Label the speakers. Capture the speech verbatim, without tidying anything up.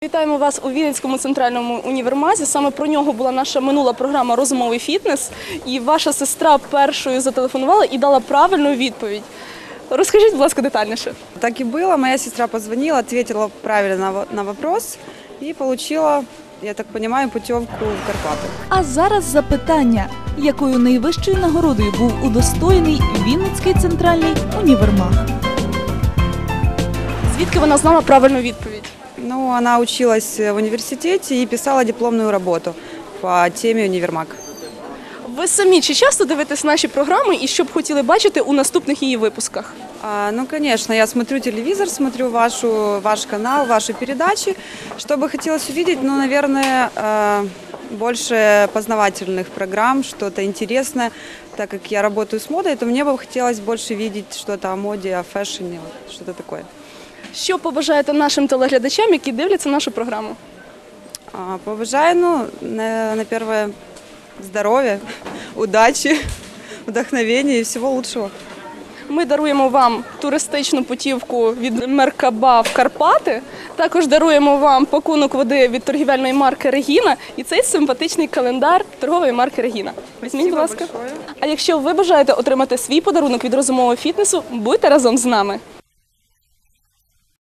Speaker 1: Вітаємо вас у Вінницькому центральному універмазі. Саме про нього була наша минула програма «Розумовий фітнес». І ваша сестра першою зателефонувала і дала правильну відповідь. Розкажіть, будь ласка, детальніше.
Speaker 2: Так и было. Моя сестра позвонила, ответила правильно на вопрос и получила, я так понимаю, путевку в Карпаты.
Speaker 3: А зараз запитання, якою найвищою нагородою був удостоєний Вінницький центральний універмаг?
Speaker 1: Звідки вона знала правильну відповідь?
Speaker 2: Ну, она училась в университете и писала дипломную работу по теме универмаг.
Speaker 1: Ви самі чи часто дивитесь наші програми і що б хотіли бачити у наступних її випусках?
Speaker 2: А, ну, конечно, я смотрю телевизор, смотрю вашу, ваш канал, ваши передачи. Что бы хотелось увидеть, ну, наверное, больше познавательных программ, что-то интересное. Так как я работаю с модой, то мне бы хотелось больше видеть что-то о моде, о фэшне, что-то такое.
Speaker 1: Що побажаєте нашим телеглядачам, які дивляться нашу програму?
Speaker 2: А, побажаю, ну, на, на первое, здоров'я, удачі, вдохновення і всього лучшого.
Speaker 1: Ми даруємо вам туристичну путівку від Меркаба в Карпати. Також даруємо вам пакунок води від торгівельної марки «Регіна» і цей симпатичний календар торгової марки «Регіна». Візьміть, будь ласка. А якщо ви бажаєте отримати свій подарунок від розумового фітнесу, будьте разом з нами.